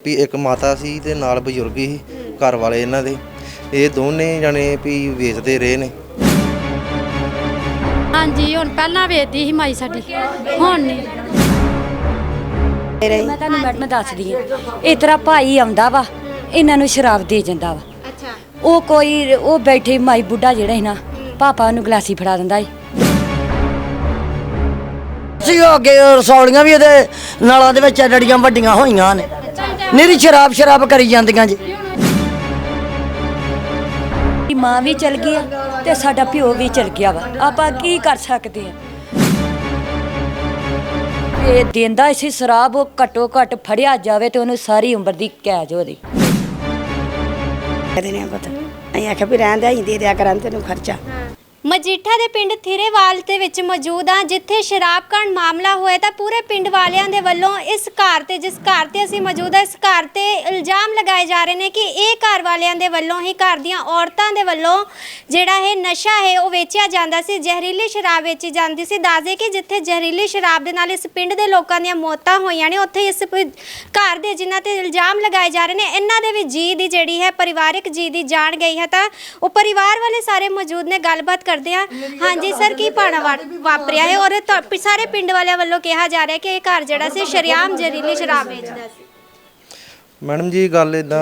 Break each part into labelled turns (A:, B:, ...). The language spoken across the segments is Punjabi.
A: भी एक माता सी ते नाल बजुर्ग ही घर वाले इन्हां दे, ये दोने जने भी वेचते रहे ने।
B: हाँ जी, हुण पहलां वेचदी सी माई साडी, हुण नहीं।
C: मैं तुहानूं मैडम दसदी हां, इस तरह भाई आउंदा वा, इन्हां नूं शराब दे जांदा वा।
B: अच्छा,
C: ਉਹ ਕੋਈ ਉਹ ਬੈਠੇ ਮਾਈ ਬੁੱਢਾ ਜਿਹੜਾ ਸੀ ਨਾ, ਪਾਪਾ ਨੂੰ ਗਲਾਸੀ ਫੜਾ ਦਿੰਦਾ ਸੀ।
D: ਸੀ ਅੱਗੇ ਰਸੌਲੀਆਂ ਵੀ ਇਹਦੇ ਨਾਲਾਂ ਦੇ ਵਿੱਚ ਡੜੀਆਂ ਵੱਡੀਆਂ ਹੋਈਆਂ ਨੇ, ਨਿਰੀ ਸ਼ਰਾਬ ਕਰੀ ਜਾਂਦੀਆਂ ਜੀ।
C: ਮਾਂ ਵੀ ਚਲ ਗਈ ਆ ਤੇ ਸਾਡਾ ਪਿਓ ਵੀ ਚਲ ਗਿਆ ਵਾ, ਆਪਾਂ ਕੀ ਕਰ ਸਕਦੇ ਆ। ਇਹ ਦਿੰਦਾ ਸੀ ਸ਼ਰਾਬ, ਉਹ ਘੱਟੋ ਘੱਟ ਫੜਿਆ ਜਾਵੇ ਤੇ ਉਹਨੂੰ ਸਾਰੀ ਉਮਰ ਦੀ ਕੈਦ ਹੋਵੇ।
E: ਕਦੇ ਨਹੀਂ ਪਤਾ, ਅਸੀਂ ਆਖਿਆ ਵੀ ਰਹਿਣ ਦੇ, ਅਸੀਂ ਦੇ ਦਿਆ ਕਰਾਂ ਤੈਨੂੰ ਖਰਚਾ।
F: ਮਜੀਠਾ ਦੇ ਪਿੰਡ ਥਿਰੇਵਾਲ ਦੇ ਵਿੱਚ ਮੌਜੂਦ ਹਾਂ, ਜਿੱਥੇ ਸ਼ਰਾਬ ਕਾਂਡ ਮਾਮਲਾ ਹੋਇਆ ਤਾਂ ਪੂਰੇ ਪਿੰਡ ਵਾਲਿਆਂ ਦੇ ਵੱਲੋਂ ਇਸ ਘਰ ਤੇ, ਜਿਸ ਘਰ ਤੇ ਅਸੀਂ ਮੌਜੂਦ ਹਾਂ, ਇਸ ਘਰ ਤੇ ਇਲਜ਼ਾਮ ਲਗਾਏ ਜਾ ਰਹੇ ਨੇ ਕਿ ਇਹ ਘਰ ਵਾਲਿਆਂ ਦੇ ਵੱਲੋਂ ਹੀ ਘਰ ਦੀਆਂ ਔਰਤਾਂ ਦੇ ਵੱਲੋਂ ਜਿਹੜਾ ਇਹ ਨਸ਼ਾ ਹੈ ਉਹ ਵੇਚਿਆ ਜਾਂਦਾ ਸੀ, ਜ਼ਹਿਰੀਲੀ ਸ਼ਰਾਬ ਵੇਚੀ ਜਾਂਦੀ ਸੀ। ਦੱਸਦੇ ਕਿ ਜਿੱਥੇ ਜ਼ਹਿਰੀਲੀ ਸ਼ਰਾਬ ਦੇ ਨਾਲ ਇਸ ਪਿੰਡ ਦੇ ਲੋਕਾਂ ਦੀਆਂ ਮੌਤਾਂ ਹੋਈਆਂ ਨੇ, ਉੱਥੇ ਇਸ ਘਰ ਦੇ ਜਿਨ੍ਹਾਂ ਤੇ ਇਲਜ਼ਾਮ ਲਗਾਏ ਜਾ ਰਹੇ ਨੇ, ਇਹਨਾਂ ਦੇ ਵੀ ਜੀ ਦੀ ਜਿਹੜੀ ਹੈ ਪਰਿਵਾਰਿਕ ਜੀ ਦੀ ਜਾਣ ਗਈ ਹੈ। ਤਾਂ ਉਹ ਪਰਿਵਾਰ ਵਾਲੇ ਸਾਰੇ ਮੌਜੂਦ ਨੇ, ਗੱਲਬਾਤ ਕਰਦੇ ਆ। ਹਾਂਜੀ ਸਰ, ਕੀ ਭਾਣਾ ਵਾਪਰਿਆ ਹੈ ਔਰ ਸਾਰੇ ਪਿੰਡ ਵਾਲਿਆਂ ਵੱਲੋਂ ਕਿਹਾ ਜਾ ਰਿਹਾ ਕਿ ਇਹ ਘਰ ਜਿਹੜਾ ਸੀ ਸ਼ਰੇਆਮ ਜ਼ਹਿਰੀਲੀ ਸ਼ਰਾਬ ਵੇਚਦਾ ਸੀ।
A: मैडम जी गल इदां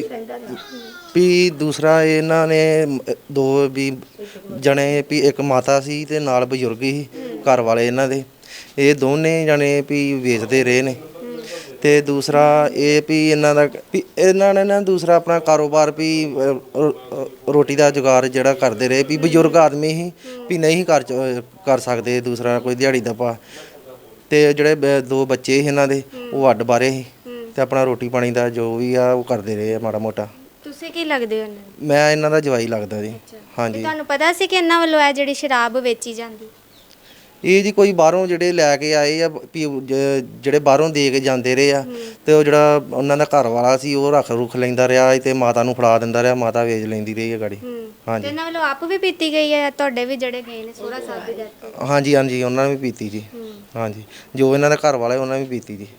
A: भी दूसरा इन्हां ने दो भी जने भी एक माता सी ते नाल बजुर्ग ही घर वाले इन्हां दे, ये दोने जने भी वेचते रहे ने। ते दूसरा ये भी इन्हां दा भी इन्हां ने ना दूसरा अपना कारोबार भी रोटी का जुगाड़ जिहड़ा करते रहे, भी बजुर्ग आदमी ही भी नहीं कर सकते दूसरा कोई दिहाड़ी दा पा, ते जिहड़े दो बच्चे ही इन्हां दे वो अड्ड बारे ही ਤੇ ਆਪਣਾ ਰੋਟੀ ਪਾਣੀ ਦਾ ਜੋ ਵੀ ਆ ਉਹ ਕਰਦੇ ਰਹੇ ਆ ਮਾੜਾ ਮੋਟਾ।
F: ਤੁਸੀਂ ਕੀ ਲੱਗਦੇ ਹੋ?
A: ਮੈਂ ਇਹਨਾਂ ਦਾ ਜਵਾਈ ਲੱਗਦਾ ਜੀ। ਹਾਂਜੀ,
F: ਤੁਹਾਨੂੰ ਪਤਾ ਸੀ ਕਿ ਇਹਨਾਂ ਵੱਲੋਂ ਇਹ ਜਿਹੜੀ ਸ਼ਰਾਬ ਵੇਚੀ ਜਾਂਦੀ?
A: ਇਹ ਜੀ ਕੋਈ ਬਾਹਰੋਂ ਜਿਹੜੇ ਲੈ ਕੇ ਆਏ ਆ, ਜਿਹੜੇ ਬਾਹਰੋਂ ਦੇ ਕੇ ਜਾਂਦੇ ਰਹੇ ਆ, ਤੇ ਉਹ ਜਿਹੜਾ ਉਹਨਾਂ ਦਾ ਘਰ ਵਾਲਾ ਸੀ ਉਹ ਰੁੱਖ ਲੈਂਦਾ ਰਿਹਾ ਤੇ ਮਾਤਾ ਨੂੰ ਫੜਾ ਦਿੰਦਾ ਰਿਹਾ, ਮਾਤਾ ਵੇਚ ਲੈਂਦੀ ਰਹੀ ਹੈ ਗਾੜੀ। ਹਾਂਜੀ,
F: ਇਹਨਾਂ ਵੱਲੋਂ ਆਪ ਵੀ ਪੀਤੀ ਗਈ ਹੈ, ਤੁਹਾਡੇ ਵੀ ਜਿਹੜੇ ਗਏ ਨੇ ਸੋਹਰਾ ਸਾਹਿਬ ਦੀ ਗੱਲ?
A: ਹਾਂਜੀ ਹਾਂਜੀ, ਉਹਨਾਂ ਨੇ ਵੀ ਪੀਤੀ ਜੀ। ਹਾਂਜੀ, ਜੋ ਇਹਨਾਂ ਦਾ ਘਰ ਵਾਲਾ ਉਹਨਾਂ ਨੇ ਵੀ ਪੀਤੀ ਜੀ।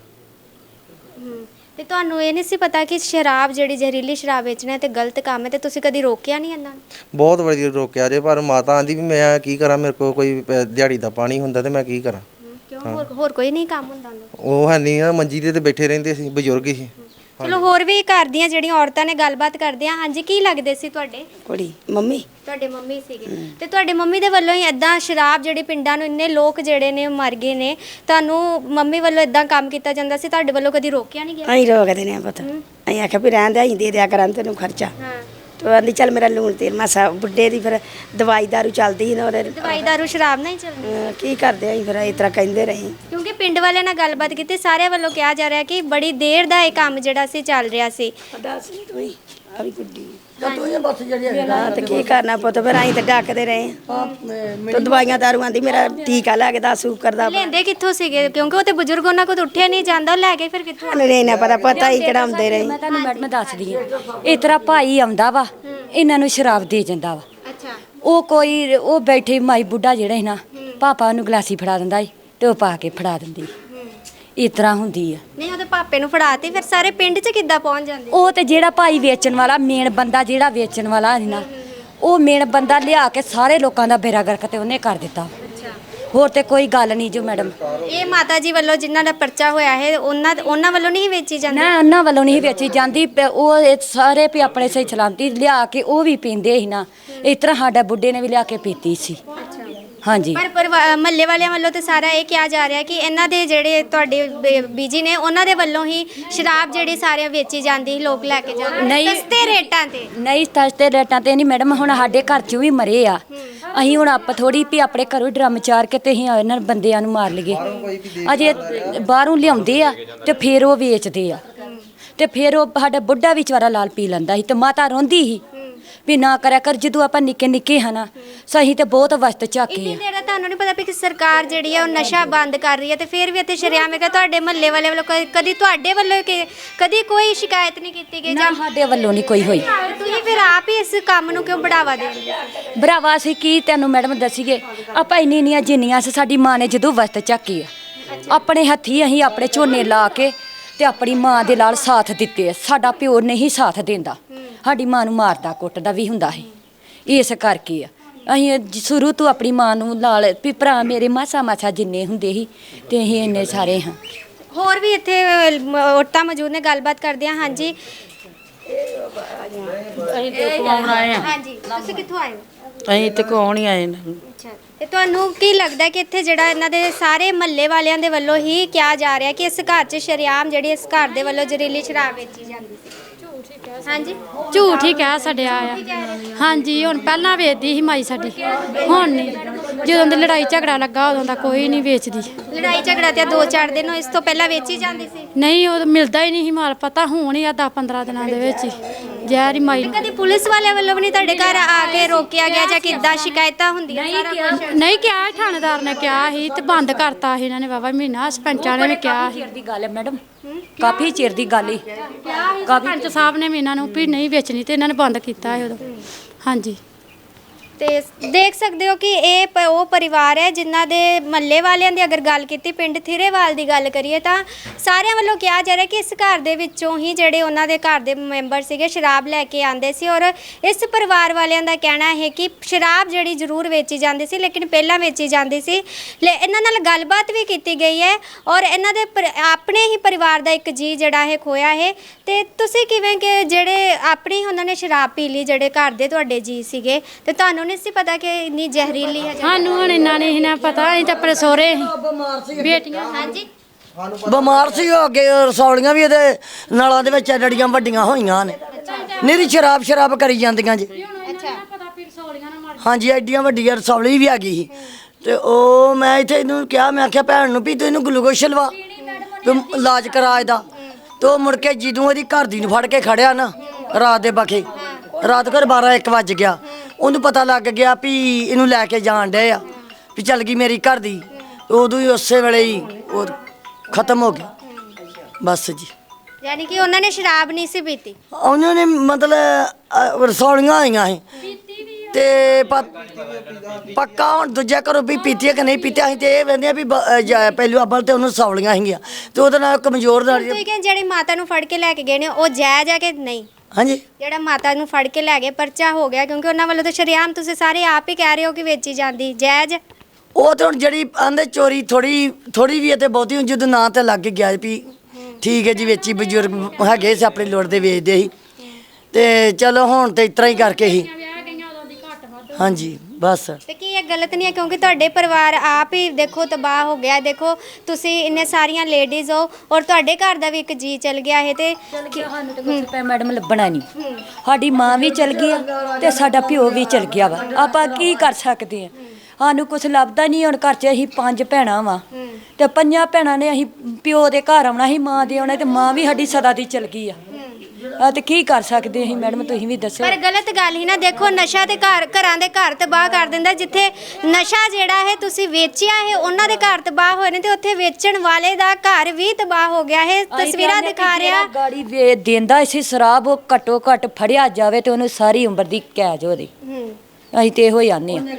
F: ਤੇ ਤੁਹਾਨੂੰ ਇਹ ਨਹੀਂ ਸੀ ਪਤਾ ਕਿ ਸ਼ਰਾਬ ਜਿਹੜੀ ਜ਼ਹਿਰੀਲੀ ਸ਼ਰਾਬ ਵੇਚਣਾ ਤੇ ਗਲਤ ਕੰਮ ਹੈ, ਤੇ ਤੁਸੀਂ ਕਦੀ ਰੋਕਿਆ ਨਹੀਂ ਇਹਨਾਂ ਨੂੰ?
A: ਬਹੁਤ ਵਾਰੀ ਰੋਕਿਆ ਜੇ, ਪਰ ਮਾਤਾ ਆਂਦੀ ਵੀ ਮੈਂ ਕੀ ਕਰਾਂ, ਮੇਰੇ ਕੋਲ ਕੋਈ ਦਿਹਾੜੀ ਦਾ ਪਾਣੀ ਹੁੰਦਾ ਤੇ ਮੈਂ ਕੀ ਕਰਾਂ।
F: ਕਿਉਂ ਹੋਰ ਕੋਈ ਨਹੀਂ ਕੰਮ ਹੁੰਦਾ?
A: ਉਹ ਹੈ ਨਹੀਂ ਆ, ਮੰਜੀ ਤੇ ਬੈਠੇ ਰਹਿੰਦੇ ਸੀ, ਬਜ਼ੁਰਗ ਸੀ।
F: ਚਲੋ ਹੋਰ ਵੀ ਘਰ ਦੀਆਂ ਜਿਹੜੀਆਂ ਔਰਤਾਂ ਨੇ ਗੱਲਬਾਤ ਕਰਦੇ ਆ। ਹਾਂਜੀ, ਕੀ ਲੱਗਦੇ ਸੀ ਤੁਹਾਡੇ?
E: ਕੁੜੀ ਮੰਮੀ,
F: ਤੁਹਾਡੇ ਮੰਮੀ ਸੀਗੇ, ਤੇ ਤੁਹਾਡੇ ਮੰਮੀ ਦੇ ਵੱਲੋਂ ਹੀ ਇਦਾਂ ਸ਼ਰਾਬ ਜਿਹੜੀ ਪਿੰਡਾਂ ਨੂੰ ਇੰਨੇ ਲੋਕ ਜਿਹੜੇ ਨੇ ਮਰ ਗਏ ਨੇ, ਤੁਹਾਨੂੰ ਮੰਮੀ ਵੱਲੋਂ ਇਦਾਂ ਕੰਮ ਕੀਤਾ ਜਾਂਦਾ ਸੀ, ਤੁਹਾਡੇ ਵੱਲੋਂ ਕਦੀ ਰੋਕਿਆ ਨਹੀਂ ਗਿਆ?
E: ਅਸੀਂ ਰੋਕਦੇ ਨਹੀਂ ਪਤਾ, ਅਸੀਂ ਆਖਿਆ ਵੀ ਰਹਿਣ ਦੇ, ਅਸੀਂ ਦੇ ਦਿਆ ਕਰਾਂ ਤੈਨੂੰ ਖਰਚਾ। ਤੇ ਆਂਦੀ ਚੱਲ ਮੇਰਾ ਲੂਣ ਤੇਲ ਮਾਸਾ, ਬੁੱਢੇ ਦੀ ਫਿਰ ਦਵਾਈ ਦਾਰੂ ਚੱਲਦੀ ਸੀ ਨਾ, ਉਹਦੇ
F: ਦਵਾਈ ਦਾਰੂ ਸ਼ਰਾਬ ਨਹੀਂ ਚੱਲਦੀ।
E: ਕੀ ਕਰਦੇ ਅਸੀਂ ਫਿਰ ਇਸ ਤਰ੍ਹਾਂ ਕਹਿੰਦੇ ਰਹੇ।
F: ਕਿਉਂਕਿ ਪਿੰਡ ਵਾਲਿਆਂ ਨਾਲ ਗੱਲਬਾਤ ਕੀਤੀ, ਸਾਰਿਆਂ ਵੱਲੋਂ ਕਿਹਾ ਜਾ ਰਿਹਾ ਕਿ ਬੜੀ ਦੇਰ ਦਾ ਇਹ ਕੰਮ ਜਿਹੜਾ ਸੀ ਚੱਲ ਰਿਹਾ ਸੀ।
E: ਦੱਸ ਨਹੀਂ ਤੂੰ ਹੀ ਆ ਵੀ ਗੁੱਡੀ ਤੇ ਕੀ ਕਰਨਾ ਪੁੱਤ, ਫਿਰ ਅਸੀਂ ਤਾਂ ਡੱਕਦੇ ਰਹੇ ਤੇ ਦਵਾਈਆਂ ਦਾਰੂ ਆਂਦੀ ਮੇਰਾ ਟੀਕਾ ਲੈ ਕੇ 10 ਸ਼ੂਗਰ ਦਾ।
F: ਲੈਂਦੇ ਕਿੱਥੋਂ ਸੀਗੇ? ਕਿਉਂਕਿ ਉਹ ਤੇ ਬਜ਼ੁਰਗ, ਉਹਨਾਂ ਕੋਲ ਉੱਠਿਆ ਨਹੀਂ ਜਾਂਦਾ, ਉਹ ਲੈ ਕੇ ਫਿਰ ਕਿੱਥੋਂ?
E: ਨਹੀਂ ਨਾ ਪਤਾ ਹੀ ਚੜਾਉਂਦੇ ਰਹੇ।
C: ਮੈਂ ਤੁਹਾਨੂੰ ਮੈਡਮ ਦੱਸਦੀ ਹਾਂ, ਇਸ ਤਰ੍ਹਾਂ ਭਾਈ ਆਉਂਦਾ ਵਾ, ਇਹਨਾਂ ਨੂੰ ਸ਼ਰਾਬ ਦੇ ਜਾਂਦਾ ਵਾ।
F: ਅੱਛਾ,
C: ਉਹ ਕੋਈ ਉਹ ਬੈਠੇ ਮਾਈ ਬੁੱਢਾ ਜਿਹੜਾ ਸੀ ਨਾ, ਪਾਪਾ ਨੂੰ ਗਲਾਸੀ ਫੜਾ ਦਿੰਦਾ ਸੀ ਤੇ ਉਹ ਪਾ ਕੇ ਫੜਾ ਦਿੰਦੀ, ਇਸ ਤਰ੍ਹਾਂ ਹੁੰਦੀ ਆ।
F: ਨਹੀਂ ਉਹਦੇ ਪਾਪੇ ਨੂੰ ਫੜਾਤੀ, ਫਿਰ ਸਾਰੇ ਪਿੰਡ 'ਚ ਕਿੱਦਾਂ ਪਹੁੰਚ ਜਾਂਦੇ?
C: ਉਹ ਤੇ ਜਿਹੜਾ ਭਾਈ ਵੇਚਣ ਵਾਲਾ ਮੇਨ ਬੰਦਾ, ਜਿਹੜਾ ਵੇਚਣ ਵਾਲਾ ਸੀ ਨਾ, ਉਹ ਮੇਨ ਬੰਦਾ ਲਿਆ ਕੇ ਸਾਰੇ ਲੋਕਾਂ ਦਾ ਬੇੜਾ ਗਰਕ ਤੇ ਉਹਨੇ ਕਰ ਦਿੱਤਾ। ਹੋਰ ਤੇ ਕੋਈ ਗੱਲ ਨਹੀਂ ਜੋ ਮੈਡਮ।
F: ਇਹ ਮਾਤਾ ਜੀ ਵੱਲੋਂ ਜਿਨ੍ਹਾਂ ਦਾ ਪਰਚਾ ਹੋਇਆ ਹੈ, ਉਹਨਾਂ ਵੱਲੋਂ ਨਹੀਂ ਵੇਚੀ ਜਾਂਦੀ?
C: ਨਾ, ਉਹਨਾਂ ਵੱਲੋਂ ਨਹੀਂ ਵੇਚੀ ਜਾਂਦੀ। ਉਹ ਇਹ ਸਾਰੇ ਵੀ ਆਪਣੇ ਸਹੀ ਸਲਾਮਤੀ ਲਿਆ ਕੇ ਉਹ ਵੀ ਪੀਂਦੇ ਸੀ ਨਾ, ਇਸ ਤਰ੍ਹਾਂ ਸਾਡਾ ਬੁੱਢੇ ਨੇ ਵੀ ਲਿਆ ਕੇ ਪੀਤੀ ਸੀ। ਹਾਂਜੀ,
F: ਪਰ ਮਹੱਲੇ ਵਾਲਿਆਂ ਵੱਲੋਂ ਤੇ ਸਾਰਾ ਇਹ ਕਿਹਾ ਜਾ ਰਿਹਾ ਕਿ ਇਹਨਾਂ ਦੇ ਜਿਹੜੇ ਤੁਹਾਡੇ ਬੀਜੀ ਨੇ, ਉਹਨਾਂ ਦੇ ਵੱਲੋਂ ਹੀ ਸ਼ਰਾਬ ਜਿਹੜੀ ਸਾਰਿਆਂ ਵੇਚੀ ਜਾਂਦੀ, ਲੋਕ ਲੈ ਕੇ ਜਾਂਦੇ ਸਸਤੇ ਰੇਟਾਂ ਤੇ।
C: ਨਹੀਂ, ਸਸਤੇ ਰੇਟਾਂ ਤੇ ਨਹੀਂ ਮੈਡਮ, ਹੁਣ ਸਾਡੇ ਘਰ 'ਚ ਵੀ ਮਰੇ ਆ। ਅਸੀਂ ਹੁਣ ਆਪ ਥੋੜੀ ਵੀ ਆਪਣੇ ਘਰੋਂ ਡਰਮ ਚਾਰ ਕੇ ਤੇ ਅਸੀਂ ਇਹਨਾਂ ਬੰਦਿਆਂ ਨੂੰ ਮਾਰ ਲਈਏ। ਅਜੇ ਬਾਹਰੋਂ ਲਿਆਉਂਦੇ ਆ ਤੇ ਫਿਰ ਉਹ ਵੇਚਦੇ ਆ, ਤੇ ਫਿਰ ਉਹ ਸਾਡਾ ਬੁੱਢਾ ਵੀ ਚਵਾਰਾ ਲਾਲ ਪੀ ਲੈਂਦਾ ਸੀ ਤੇ ਮਾਤਾ ਰੋਂਦੀ ਸੀ ਵੀ ਨਾ ਕਰਿਆ ਕਰ। ਜਦੋਂ ਆਪਾਂ ਨਿੱਕੇ ਨਿੱਕੇ ਹਨਾ, ਸਹੀ ਤੇ ਬਹੁਤ ਵਸਤ ਝਾਕੇ ਆ।
F: ਤੁਹਾਨੂੰ ਨਹੀਂ ਪਤਾ ਵੀ ਸਰਕਾਰ ਜਿਹੜੀ ਆ ਉਹ ਨਸ਼ਾ ਬੰਦ ਕਰ ਰਹੀ ਹੈ, ਤੇ ਫਿਰ ਵੀ ਇੱਥੇ ਸ਼ਰੇਆਮ ਹੈਗਾ। ਤੁਹਾਡੇ ਮਹੱਲੇ ਵਾਲੇ ਵੱਲੋਂ ਕਦੀ ਤੁਹਾਡੇ ਵੱਲੋਂ ਕਦੀ ਕੋਈ ਸ਼ਿਕਾਇਤ ਨਹੀਂ ਕੀਤੀ ਗਈ?
C: ਜਾਂ ਸਾਡੇ ਵੱਲੋਂ ਨਹੀਂ ਕੋਈ ਹੋਈ।
F: ਤੁਸੀਂ ਫਿਰ ਆਪ ਹੀ ਇਸ ਕੰਮ ਨੂੰ ਕਿਉਂ ਬੜਾਵਾ ਦਿੰਦੇ?
C: ਬੜਾਵਾ ਅਸੀਂ ਕੀ ਤੈਨੂੰ ਮੈਡਮ ਦੱਸੀਏ, ਆਪਾਂ ਇੰਨੀਆਂ ਜਿੰਨੀਆਂ ਸਾਡੀ ਮਾਂ ਨੇ ਜਦੋਂ ਵਸਤ ਝਾਕੀ ਆ, ਆਪਣੇ ਹੱਥੀ ਅਸੀਂ ਆਪਣੇ ਝੋਨੇ ਲਾ ਕੇ ਤੇ ਆਪਣੀ ਮਾਂ ਦੇ ਨਾਲ ਸਾਥ ਦਿੱਤੇ ਆ। ਸਾਡਾ ਪਿਓ ਨਹੀਂ ਸਾਥ ਦਿੰਦਾ, ਸਾਡੀ ਮਾਂ ਨੂੰ ਮਾਰਦਾ ਕੁੱਟਦਾ ਵੀ ਹੁੰਦਾ ਹੈ। ਇਸ ਕਰਕੇ ਆ ਅਸੀਂ ਸ਼ੁਰੂ ਤੋਂ ਆਪਣੀ ਮਾਂ ਨੂੰ ਨਾਲ ਵੀ ਭਰਾ ਮੇਰੇ ਮਾਸਾ ਜਿੰਨੇ ਹੁੰਦੇ ਸੀ ਤੇ ਅਸੀਂ ਇੰਨੇ ਸਾਰੇ ਹਾਂ।
F: ਹੋਰ ਵੀ ਇੱਥੇ ਔਰਤਾਂ ਮੌਜੂਦ ਨੇ, ਗੱਲਬਾਤ ਕਰਦੇ ਹਾਂ। ਹਾਂਜੀ ਹਾਂਜੀ, ਤੁਸੀਂ ਕਿੱਥੋਂ ਆਏ ਹੋ?
G: ਅਸੀਂ ਤੇ ਕੌਣ ਹੀ ਆਏ ਨੇ।
F: ਅੱਛਾ, ਤੇ ਤੁਹਾਨੂੰ ਕੀ ਲੱਗਦਾ ਕਿ ਇੱਥੇ ਜਿਹੜਾ ਇਹਨਾਂ ਦੇ ਸਾਰੇ ਮਹੱਲੇ ਵਾਲਿਆਂ ਦੇ ਵੱਲੋਂ ਹੀ ਕਿਹਾ ਜਾ ਰਿਹਾ ਕਿ ਇਸ ਘਰ 'ਚ ਸ਼ਰੇਆਮ ਜਿਹੜੀ ਇਸ ਘਰ ਦੇ ਵੱਲੋਂ ਜ਼ਹਿਰੀਲੀ ਸ਼ਰਾਬ ਵੇਚੀ ਜਾਂਦੀ ਸੀ? ਹਾਂਜੀ,
B: ਝੂਠ ਹੀ ਕਹਿ ਛੱਡਿਆ ਆ। ਹਾਂਜੀ, ਹੁਣ ਪਹਿਲਾਂ ਵੇਚਦੀ ਸੀ ਮਾਈ ਸਾਡੀ, ਹੁਣ ਨਹੀਂ। ਜਦੋਂ ਦੀ ਲੜਾਈ ਝਗੜਾ ਲੱਗਾ ਉਦੋਂ ਦਾ ਕੋਈ ਨਹੀਂ ਵੇਚਦੀ।
F: ਲੜਾਈ ਝਗੜਾ ਤੇ 2-4 ਦਿਨ ਇਸ ਤੋਂ ਪਹਿਲਾਂ ਵੇਚੀ ਜਾਂਦੀ ਸੀ?
B: ਨਹੀਂ, ਉਹ ਮਿਲਦਾ ਹੀ ਨਹੀਂ ਸੀ ਮਾਲ। ਪਤਾ ਹੁਣ ਹੀ ਆ 10-15 ਦਿਨਾਂ ਦੇ ਵਿੱਚ ਹੀ ਜ਼ਹਿਰ ਹੀ ਮਾਈ ਨੂੰ।
F: ਕਦੀ ਪੁਲਿਸ ਵਾਲਿਆਂ ਵੱਲੋਂ ਵੀ ਨਹੀਂ ਤੁਹਾਡੇ ਘਰ ਆ ਕੇ ਰੋਕਿਆ ਗਿਆ ਜਾਂ ਕਿੱਦਾਂ ਸ਼ਿਕਾਇਤਾਂ ਹੁੰਦੀਆਂ?
B: ਨਹੀਂ ਕਿਹਾ, ਥਾਣੇਦਾਰ ਨੇ ਕਿਹਾ ਸੀ ਤੇ ਬੰਦ ਕਰਤਾ ਸੀ ਇਹਨਾਂ ਨੇ। ਵਾਵਾ ਮਹੀਨਾ ਸਰਪੰਚਾਂ ਨੇ ਵੀ ਕਿਹਾ ਸੀ।
C: ਚਿਰ ਦੀ ਗੱਲ ਹੈ ਮੈਡਮ, ਕਾਫੀ ਚਿਰ ਦੀ ਗੱਲ ਹੀ।
B: ਸਰਪੰਚ ਸਾਹਿਬ ਨੇ ਵੀ ਇਹਨਾਂ ਨੂੰ ਵੀ ਨਹੀਂ ਵੇਚਣੀ ਤੇ ਇਹਨਾਂ ਨੇ ਬੰਦ ਕੀਤਾ ਸੀ ਉਦੋਂ। ਹਾਂਜੀ,
F: ਤੇ ਦੇਖ ਸਕਦੇ ਹੋ ਕਿ ਇਹ ਉਹ ਪਰਿਵਾਰ ਹੈ ਜਿਨ੍ਹਾਂ ਦੇ ਮਹੱਲੇ ਵਾਲਿਆਂ ਦੀ ਅਗਰ ਗੱਲ ਕੀਤੀ, ਪਿੰਡ ਥਿਰੇਵਾਲ ਦੀ ਗੱਲ ਕਰੀਏ ਤਾਂ ਸਾਰਿਆਂ ਵੱਲੋਂ ਕਿਹਾ ਜਾ ਰਿਹਾ ਕਿ ਇਸ ਘਰ ਦੇ ਵਿੱਚੋਂ ਹੀ ਜਿਹੜੇ ਉਹਨਾਂ ਦੇ ਘਰ ਦੇ ਮੈਂਬਰ ਸੀਗੇ ਸ਼ਰਾਬ ਲੈ ਕੇ ਆਉਂਦੇ ਸੀ। ਔਰ ਇਸ ਪਰਿਵਾਰ ਵਾਲਿਆਂ ਦਾ ਕਹਿਣਾ ਹੈ ਕਿ ਸ਼ਰਾਬ ਜਿਹੜੀ ਜ਼ਰੂਰ ਵੇਚੀ ਜਾਂਦੀ ਸੀ, ਲੇਕਿਨ ਪਹਿਲਾਂ ਵੇਚੀ ਜਾਂਦੀ ਸੀ। ਇਹਨਾਂ ਨਾਲ ਗੱਲਬਾਤ ਵੀ ਕੀਤੀ ਗਈ ਹੈ ਔਰ ਇਹਨਾਂ ਦੇ ਆਪਣੇ ਹੀ ਪਰਿਵਾਰ ਦਾ ਇੱਕ ਜੀ ਜਿਹੜਾ ਹੈ ਖੋਇਆ ਹੈ। ਤੇ ਤੁਸੀਂ ਕਿਵੇਂ ਕਿ ਜਿਹੜੇ ਆਪਣੀ ਉਹਨਾਂ ਨੇ ਸ਼ਰਾਬ ਪੀ ਲਈ, ਜਿਹੜੇ ਘਰ ਦੇ ਤੁਹਾਡੇ ਜੀ ਸੀਗੇ, ਤੇ ਤੁਹਾਨੂੰ ਨਹੀਂ ਸੀ ਪਤਾ ਕਿ ਇੰਨੀ ਜ਼ਹਿਰੀਲੀ ਹੈ?
B: ਸਾਨੂੰ ਹੁਣ ਇੰਨਾ ਨਹੀਂ ਨਾ ਪਤਾ, ਅਸੀਂ ਤਾਂ ਆਪਣੇ ਸਹੁਰੇ ਸੀ ਬੇਟੀਆਂ।
F: ਹਾਂਜੀ,
D: ਬਿਮਾਰ ਸੀ ਉਹ। ਅੱਗੇ ਰਸੌਲੀਆਂ ਵੀ ਇਹਦੇ ਨਾਲਾਂ ਦੇ ਵਿੱਚ ਐਡੀਆਂ ਵੱਡੀਆਂ ਹੋਈਆਂ ਨੇ। ਨਿਰੀ ਸ਼ਰਾਬ ਕਰੀ ਜਾਂਦੀਆਂ ਜੀ। ਹਾਂਜੀ, ਐਡੀਆਂ ਵੱਡੀਆਂ ਰਸੌਲੀ ਵੀ ਆ ਗਈ ਸੀ। ਤੇ ਉਹ ਮੈਂ ਇੱਥੇ ਇਹਨੂੰ ਕਿਹਾ, ਮੈਂ ਆਖਿਆ ਭੈਣ ਨੂੰ ਵੀ ਤੂੰ ਇਹਨੂੰ ਗਲੂਕੋਸ਼ ਲਵਾ, ਤੂੰ ਇਲਾਜ ਕਰਾ ਇਹਦਾ। ਤੇ ਉਹ ਮੁੜ ਕੇ ਜਦੋਂ ਇਹਦੀ ਘਰ ਦੀ ਨੂੰ ਫੜ ਕੇ ਖੜਿਆ ਨਾ ਰਾਤ ਦੇ ਬਖੇ, ਰਾਤ ਘਰ 12-1 ਵੱਜ ਗਿਆ, ਉਹਨੂੰ ਪਤਾ ਲੱਗ ਗਿਆ ਵੀ ਇਹਨੂੰ ਲੈ ਕੇ ਜਾਣ ਡਏ ਆ, ਵੀ ਚੱਲ ਗਈ ਮੇਰੀ ਘਰ ਦੀ। ਉਦੋਂ ਹੀ ਉਸੇ ਵੇਲੇ ਹੀ ਉਹ ਖਤਮ ਹੋ ਗਿਆ ਬਸ ਜੀ।
F: ਯਾਨੀ ਕਿ ਉਹਨਾਂ ਨੇ ਸ਼ਰਾਬ ਨਹੀਂ ਸੀ ਪੀਤੀ?
D: ਉਹਨਾਂ ਨੇ ਮਤਲਬ ਰਸੌਲੀਆਂ ਆਈਆਂ ਸੀ ਤੇ ਪੱਕਾ ਹੁਣ ਦੂਜਾ ਘਰੋਂ ਵੀ ਪੀਤੀ ਹੈ ਕਿ ਨਹੀਂ ਪੀਤੀ। ਅਸੀਂ ਤੇ ਇਹ ਕਹਿੰਦੇ ਆ ਵੀ ਪਹਿਲੂ ਅੱਬਲ ਤੇ ਉਹਨੂੰ ਰਸੌਲੀਆਂ ਸੀਗੀਆਂ ਤੇ ਉਹਦੇ ਨਾਲ ਕਮਜ਼ੋਰ ਨਾਲ।
F: ਤੁਸੀਂ ਕਿ ਜਿਹੜੀ ਮਾਤਾ ਨੂੰ ਫੜ ਕੇ ਲੈ ਕੇ ਗਏ ਨੇ ਉਹ ਜਾਇਜ਼ ਹੈ ਕਿ ਨਹੀਂ?
D: ਹਾਂਜੀ,
F: ਜਿਹੜਾ ਮਾਤਾ ਨੂੰ ਫੜ ਕੇ ਲੈ ਗਏ, ਪਰਚਾ ਹੋ ਗਿਆ ਕਿਉਂਕਿ ਉਹਨਾਂ ਵੱਲੋਂ ਤਾਂ ਸ਼ਰੇਆਮ ਤੁਸੀਂ ਸਾਰੇ ਆਪ ਹੀ ਕਹਿ ਰਹੇ ਹੋ ਕਿ ਵੇਚੀ ਜਾਂਦੀ, ਜਾਇਜ਼?
D: ਉਹ ਤੇ ਹੁਣ ਜਿਹੜੀ ਆਂਦੇ ਚੋਰੀ ਥੋੜੀ ਵੀ ਹੈ ਤੇ ਬਹੁਤੀ ਜਦੋਂ ਨਾਂ ਤੇ ਲੱਗ ਗਿਆ ਵੀ ਠੀਕ ਹੈ ਜੀ ਵੇਚੀ, ਬਜ਼ੁਰਗ ਹੈਗੇ ਸੀ ਆਪਣੀ ਲੋੜ ਦੇ ਵੇਚਦੇ ਸੀ ਤੇ ਚਲੋ ਹੁਣ ਤੇ ਇਸ ਤਰ੍ਹਾਂ ਹੀ ਕਰਕੇ ਹੀ। ਹਾਂਜੀ ਬਸ।
F: ਤੇ ਕੀ ਇਹ ਗਲਤ ਨਹੀਂ ਹੈ ਕਿਉਂਕਿ ਤੁਹਾਡੇ ਪਰਿਵਾਰ ਆਪ ਹੀ ਦੇਖੋ ਤਬਾਹ ਹੋ ਗਿਆ। ਦੇਖੋ ਤੁਸੀਂ ਇੰਨੇ ਸਾਰੀਆਂ ਲੇਡੀਜ਼ ਹੋ ਔਰ ਤੁਹਾਡੇ ਘਰ ਦਾ ਵੀ ਇੱਕ ਜੀ ਚਲ ਗਿਆ ਹੈ ਤੇ
C: ਸਾਨੂੰ ਤਾਂ ਕੁਝ ਪੈ ਮੈਡਮ ਲੱਭਣਾ ਨਹੀਂ। ਸਾਡੀ ਮਾਂ ਵੀ ਚਲ ਗਈ ਆ ਤੇ ਸਾਡਾ ਪਿਓ ਵੀ ਚਲ ਗਿਆ ਵਾ। ਆਪਾਂ ਕੀ ਕਰ ਸਕਦੇ ਆ? ਸਾਨੂੰ ਕੁਝ ਲੱਭਦਾ ਨਹੀਂ। ਹੁਣ ਘਰ 'ਚ ਅਸੀਂ 5 ਭੈਣਾਂ ਵਾ ਤੇ 5 ਭੈਣਾਂ ਨੇ ਅਸੀਂ ਪਿਓ ਦੇ ਘਰ ਆਉਣਾ ਸੀ, ਮਾਂ ਦੇ ਆਉਣਾ, ਤੇ ਮਾਂ ਵੀ ਸਾਡੀ ਸਦਾ ਦੀ ਚਲ ਗਈ ਆ। ਤੇ ਕੀ ਕਰ ਸਕਦੇ ਅਸੀਂ ਮੈਡਮ, ਤੁਸੀਂ ਵੀ ਦੱਸੋ।
F: ਪਰ ਗਲਤ ਗੱਲ ਹੀ ਨਾ, ਦੇਖੋ ਨਸ਼ਾ ਤੇ ਘਰਾਂ ਦੇ ਘਰ ਤਬਾਹ ਕਰ ਦਿੰਦਾ। ਜਿੱਥੇ ਨਸ਼ਾ ਜਿਹੜਾ ਹੈ ਤੁਸੀਂ ਵੇਚਿਆ ਹੈ ਉਹਨਾਂ ਦੇ ਘਰ ਤਬਾਹ ਹੋਏ ਨੇ ਤੇ ਉੱਥੇ ਵੇਚਣ ਵਾਲੇ ਦਾ ਘਰ ਵੀ ਤਬਾਹ ਹੋ ਗਿਆ ਹੈ। ਤਸਵੀਰਾਂ ਦਿਖਾ ਰਿਹਾ
C: ਗਾੜੀ ਵੇ ਦਿੰਦਾ ਇਸੇ ਸ਼ਰਾਬ, ਉਹ ਘੱਟੋ ਘੱਟ ਫੜਿਆ ਜਾਵੇ ਤੇ ਉਹਨੂੰ ਸਾਰੀ ਉਮਰ ਦੀ ਕੈਦ ਹੋਵੇ। ਅਸੀਂ ਤੇ ਇਹੋ ਹੀ ਆਨੇ ਆ।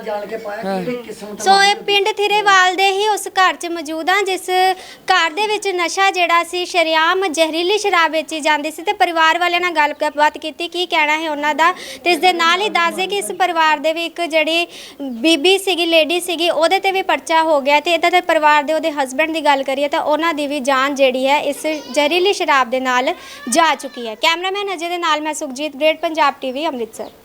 F: ਸੋ ਇਹ ਪਿੰਡ ਥਿਰੇਵਾਲ ਦੇ ਹੀ ਉਸ ਘਰ 'ਚ ਮੌਜੂਦ ਆ ਜਿਸ ਘਰ ਦੇ ਵਿੱਚ ਨਸ਼ਾ ਜਿਹੜਾ ਸੀ, ਸ਼ਰੇਆਮ ਜ਼ਹਿਰੀਲੀ ਸ਼ਰਾਬ ਵੇਚੀ ਜਾਂਦੀ ਸੀ। ਤੇ ਪਰਿਵਾਰ ਵਾਲਿਆਂ ਨਾਲ ਗੱਲਬਾਤ ਕੀਤੀ, ਕੀ ਕਹਿਣਾ ਹੈ ਉਹਨਾਂ ਦਾ। ਤੇ ਇਸ ਦੇ ਨਾਲ ਹੀ ਦੱਸ ਦੇ ਕਿ ਇਸ ਪਰਿਵਾਰ ਦੇ ਵੀ ਇੱਕ ਜਿਹੜੀ ਬੀਬੀ ਸੀਗੀ, ਲੇਡੀ ਸੀਗੀ, ਉਹਦੇ ਤੇ ਵੀ ਪਰਚਾ ਹੋ ਗਿਆ। ਤੇ ਇਹਦਾ ਤੇ ਪਰਿਵਾਰ ਦੇ ਉਹਦੇ ਹਸਬੈਂਡ ਦੀ ਗੱਲ ਕਰੀਏ ਤਾਂ ਉਹਨਾਂ ਦੀ ਵੀ ਜਾਨ ਜਿਹੜੀ ਹੈ ਇਸ ਜ਼ਹਿਰੀਲੀ ਸ਼ਰਾਬ ਦੇ ਨਾਲ ਜਾ ਚੁੱਕੀ ਹੈ। ਕੈਮਰਾਮੈਨ ਅਜੇ ਦੇ ਨਾਲ ਮੈਂ ਸੁਖਜੀਤ, ਗ੍ਰੇਟ ਪੰਜਾਬ ਟੀਵੀ, ਅੰਮ੍ਰਿਤਸਰ।